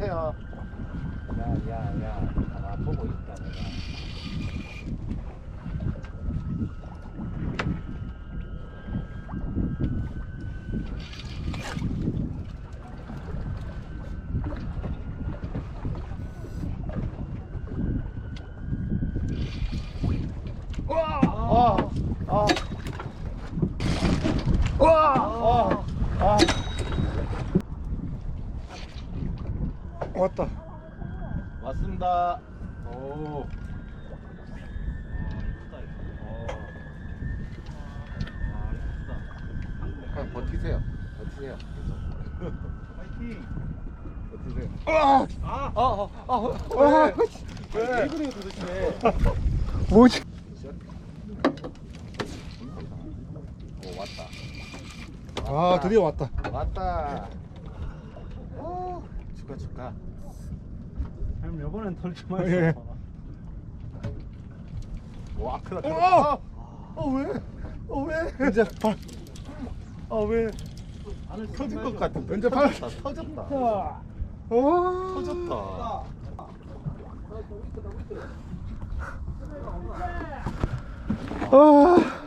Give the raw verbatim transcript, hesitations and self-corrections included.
주세요. 야야야, 나 보고 있다 내가. 와! 아! 아! 와! 아! 아! 왔다. 왔습니다. 오. 그냥 버티세요. 버티세요. 파이팅. 버티세요. 아! 아, 아, 아, 아, 아! 왜? 왜 그래요 도대체? 뭐지? 오, 왔다. 아, 드디어 왔다. 왔다. 오, 축하 축하. 형 이번엔 털지 예. 마세요. 와, 크다 크다. 어! 아, 어 왜? 어 왜? 이제 발. 아 왜? 터질 것 같은데. 이제 발. 터졌다. 터졌다. 오. 터졌다. 아.